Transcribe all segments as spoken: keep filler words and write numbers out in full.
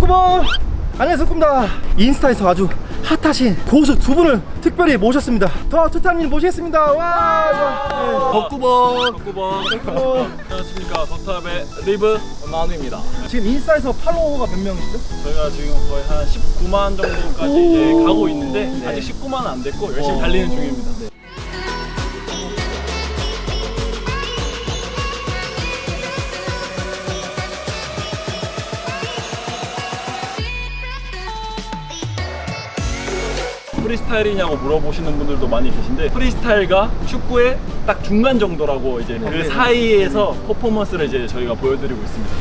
석구볼 안녕하세요, 석구입니다. 인스타에서 아주 핫하신 고수 두 분을 특별히 모셨습니다. 더 투탑님 모시겠습니다. 와, 덕구번 덕구번 안녕하십니까. 덕탑의 리브 만우입니다. 지금 인스타에서 팔로워가 몇 명이시죠? 저희가 지금 거의 한 십구만 정도까지 이제 가고 있는데 네. 아직 십구만은 안 됐고 열심히 오. 달리는 중입니다. 네. 프리스타일이냐고 물어보시는 분들도 많이 계신데 프리스타일과 축구의 딱 중간 정도라고 이제 그 네. 사이에서 퍼포먼스를 이제 저희가 보여드리고 있습니다.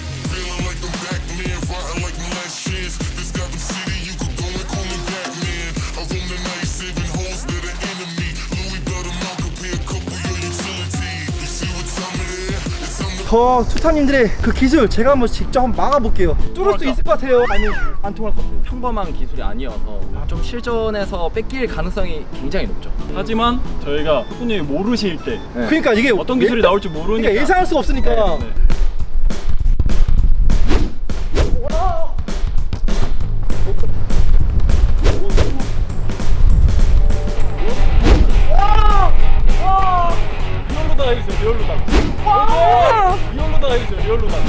더 투탑님들의 그 기술 제가 한번 직접 한번 막아볼게요. 뚫을 수 있을 것 같아요? 아니 안 통할 것 같아요? 평범한 기술이 아니어서 좀 실전에서 뺏길 가능성이 굉장히 높죠. 하지만 저희가 후보님이 모르실 때 네. 그러니까 이게 어떤 기술이 예, 나올지 모르니까 그러니까 예상할 수가 없으니까 네, 네. 리얼로다가 해주세요. 리얼로다가 리얼로다가 해주세요. 리얼로다가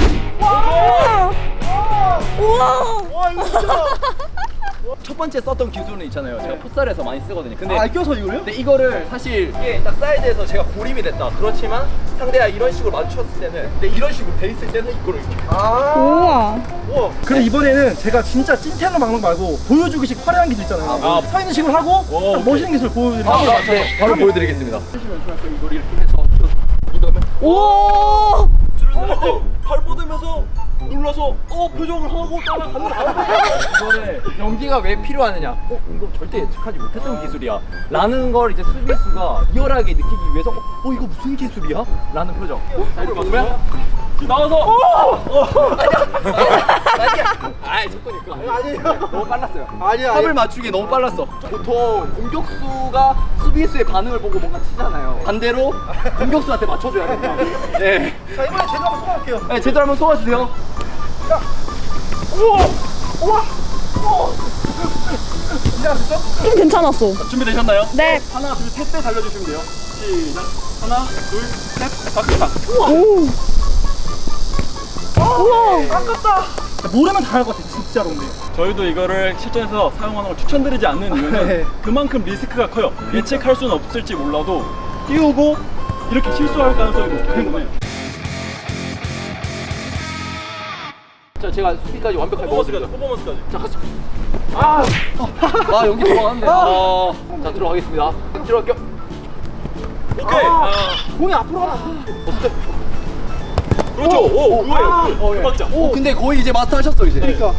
우와 이거 진짜 첫 번째 썼던 기술은 있잖아요. 제가 풋살에서 많이 쓰거든요. 근데 아 껴서 이거요? 근데 이거를 사실 이게 딱 사이드에서 제가 고립이 됐다. 그렇지만 상대가 이런 식으로 마주쳤을 때는 근데 이런 식으로 돼 있을 때는 이거를 이렇게 아 우와. 우와 그럼 이번에는 제가 진짜 찐텐으로 막는 거 말고 보여주기식 화려한 기술 있잖아요. 아, 서 있는 식으로 하고 오, 딱 멋있는 기술 보여드리면 아, 네, 바로 보여드리겠습니다. 이걸 이렇게 해서 이 다음에 오. 발 뻗으면서 눌러서 어 표정을 하고 따라가는 이거를 연기가 왜 필요하느냐? 어 이거 절대 예측하지 못했던 기술이야. 라는 걸 이제 수비수가 리얼하게 느끼기 위해서 어 이거 무슨 기술이야? 라는 표정. 어? 자 이렇게 보면 나와서 어! 아니야. 아이 조건이니까. 아니에요. 너무 빨랐어요. 아니야 합을 맞추기 너무 빨랐어. 보통 공격수가 수비수의 반응을 보고 뭔가 치잖아요. 반대로 공격수한테 맞춰줘야 된다. 네. 자 이번에 제가 한번 쏘아볼게요. 네, 제대로 한번 쏘아주세요. 야 우와 우와 우와 괜찮았어? 좀 괜찮았어. 준비되셨나요? 네. 하나 둘 셋 때 달려주시면 돼요. 시작. 하나 둘 셋 박수박. 오. 우와. 아깝다. 모르면 다 할 것 같아 진짜로. 근데 저희도 이거를 실전에서 사용하는 걸 추천드리지 않는 이유는 네. 그만큼 리스크가 커요. 예측할 수는 없을지 몰라도 띄우고 이렇게 실수할 가능성이 높기 때문에 자, 제가 수비까지 완벽하게 퍼포먼스까지 먹었습니다. 퍼포먼스까지. 자, 갔어. 아, 아 연기 들어갔네. 아, 자 들어가겠습니다. 들어갈게요. 오케이. 아, 공이 앞으로 가면 어때? 그렇죠. 오, 그거예요. 어, 예. 박자. 오, 근데 거의 이제 마스터 하셨어 이제. 그러니까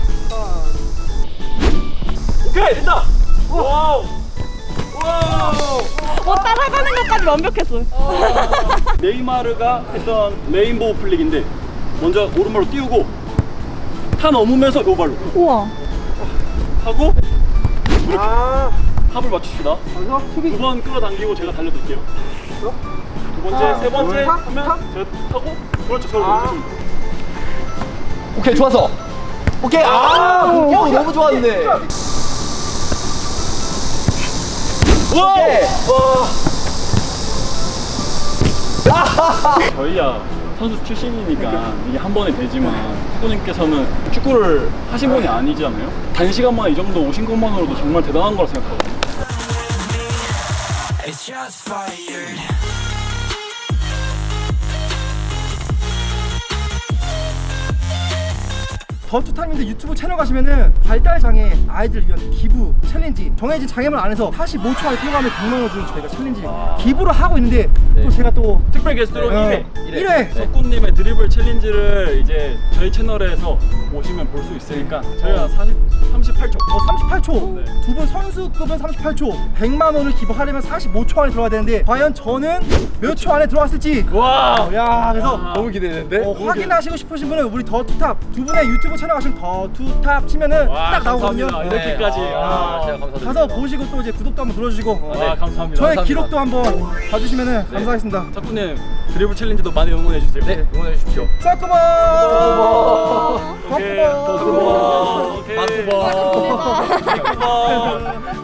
오케이 됐다. 와우. 와우. 어 따라가는 것까지 완벽했어. 네이마르가 했던 레인보우 플릭인데 먼저 오른발로 띄우고 타 넘으면서 요 발로 우와. 하고 아 합을 맞춥시다. 여기서 수비 두 번 끌어당기고 제가 달려드릴게요. 두 번째, 아, 세 번째 둘, 탑, 하면 탑. 제가 타고 그렇죠. 저를 아. 넘기면 돼요. 오케이 좋았어. 오케이. 아, 오, 공격 오케이. 너무 좋았는데. 와우! 오케이. 저희야 선수 출신이니까 이게 한 번에 되지만 후보님께서는 축구를 하신 분이 아니잖아요. 단시간 만에 이 정도 오신 것만으로도 정말 대단한 거라 생각하거든요. It's just fired. 더 투탑님들 유튜브 채널 가시면은 발달장애 아이들 위한 기부 챌린지 정해진 장애물 안에서 사십오 초 안에 들어가면 백만 원을 주는 저희가 챌린지 아. 기부를 하고 있는데 네. 또 제가 또 특별 게스트로 어, 일 회 일 회 석구님의 드리블 챌린지를 이제 저희 채널에서 보시면 볼 수 있으니까 저희가 사십, 삼십팔 초 어, 삼십팔 초 네. 두 분 선수급은 삼십팔 초 백만 원을 기부하려면 사십오 초 안에 들어가야 되는데 과연 저는 몇 초 안에 들어왔을지 와! 어, 야 그래서 아. 너무 기대되는데. 어, 확인하시고 싶으신 분은 우리 더 투탑 두 분의 유튜브 채널 가시면 더 투탑 치면은 와, 딱 나오거든요. 감사합니다. 네. 이렇게까지. 아, 아, 제가 감사드립니다. 가서 보시고 또 이제 구독도 한번 눌러주시고 어, 아, 감사합니다. 저의 감사합니다. 기록도 한번 봐주시면은 네. 감사하겠습니다. 석구님 드리블 챌린지도 많이 응원해 주세요. 네, 응원해 주십시오. 싹구먼 오케이. 더 백구 번.